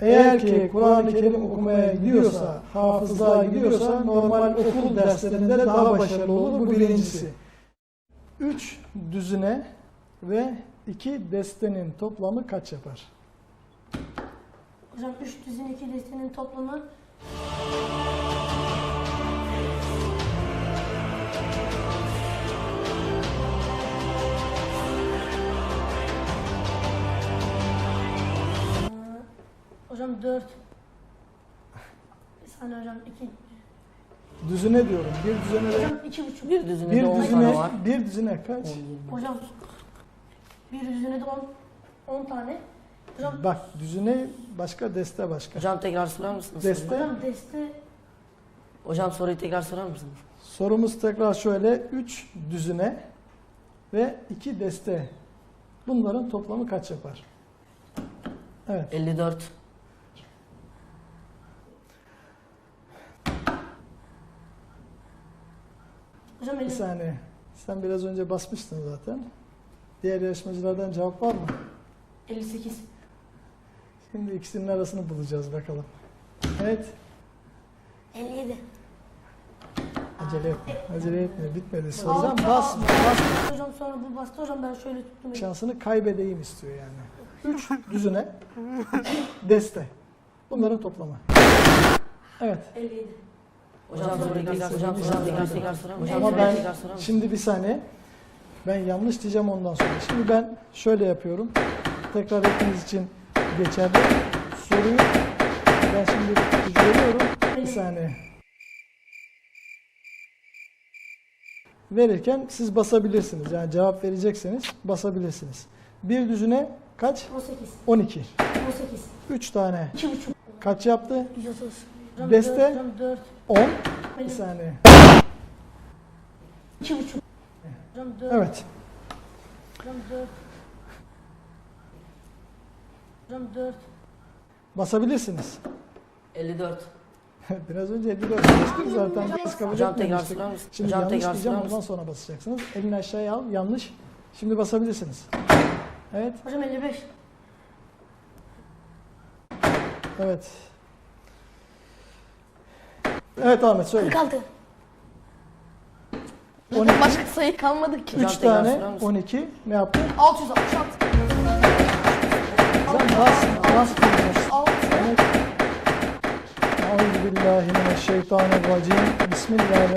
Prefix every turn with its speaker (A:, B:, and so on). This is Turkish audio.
A: Eğer ki Kur'an-ı Kerim okumaya gidiyorsa, hafızlığa gidiyorsa normal okul derslerinde daha başarılı olur. Bu birincisi. 3 düzine ve 2 destenin toplamı kaç yapar?
B: Hocam 3 düzine 2 destenin toplamı hocam 4. Bir saniye hocam 2.
A: Düzine diyorum. Bir düzine de
B: Hocam 2,5.
C: Bir düzine
A: bir
C: de 10 tane
A: düzine
C: var.
A: bir düzine kaç?
B: Hocam bir düzine de 10 tane. Hocam,
A: Bak düzine başka, deste başka.
C: Hocam tekrar sorar mısınız?
A: Deste.
B: hocam deste
C: Hocam soruyu tekrar sorar mısınız?
A: Sorumuz tekrar şöyle. 3 düzine ve 2 deste. Bunların toplamı kaç yapar? Evet.
C: 54.
B: hocam
A: Bir
B: 50.
A: saniye. Sen biraz önce basmıştın zaten. Diğer yarışmacılardan cevap var mı?
B: 58.
A: Şimdi ikisinin arasını bulacağız bakalım. Evet.
B: 57.
A: Acele etme. Acele etme. Bitmedi soru.
B: Altı,
A: Hocam basma. Basma.
B: Hocam sonra bu bastı hocam ben şöyle tuttum.
A: Şansını kaybedeyim istiyor yani. 3 düzine, 2 deste. Bunların toplamı. Evet.
B: 57.
C: Hocam soruyu tekrar sorar mısınız? Tekrar sorar mısınız?
A: Ama
C: Hocam
A: ben
C: tekrar sorar mısınız?
A: şimdi bir saniye. Ben yanlış diyeceğim ondan sonra. Şimdi ben şöyle yapıyorum. Tekrar hepiniz için geçerli. Soruyu ben şimdi veriyorum. Bir saniye. Verirken siz basabilirsiniz. Yani cevap verecekseniz basabilirsiniz. Bir düzine kaç?
B: 18.
A: 12.
B: 18.
A: 3 tane.
B: 2,5.
A: Kaç yaptı?
B: 130. Hocam
A: Deste?
B: 4. Hocam 4.
A: 10. Bir saniye.
B: 2,5. Hocam 4.
A: Evet.
B: Hocam 4. Hocam 4.
A: Basabilirsiniz.
C: 54.
A: Biraz önce 54 demiştik zaten. Biz kabul
C: Hocam tekrar
A: etmemiştik.
C: sorar mısınız?
A: Şimdi
C: Hocam
A: yanlış
C: tekrar
A: diyeceğim,
C: sorar
A: ondan
C: mısınız?
A: sonra basacaksınız. Elini aşağıya al, yanlış. Şimdi basabilirsiniz. Evet,
B: Hocam 55.
A: evet. Evet Ahmet söyle.
B: 46.
A: 12,
D: Başka sayı kalmadı ki.
A: 3
C: Hocam tekrar
A: tane,
C: sorar mısın?
A: 12. Ne yaptın?
D: 666.
A: Sen bas.
D: Altı.
A: Evet. Euzubillahimineşşeytanirracim. Bismillahirrahmanirrahim.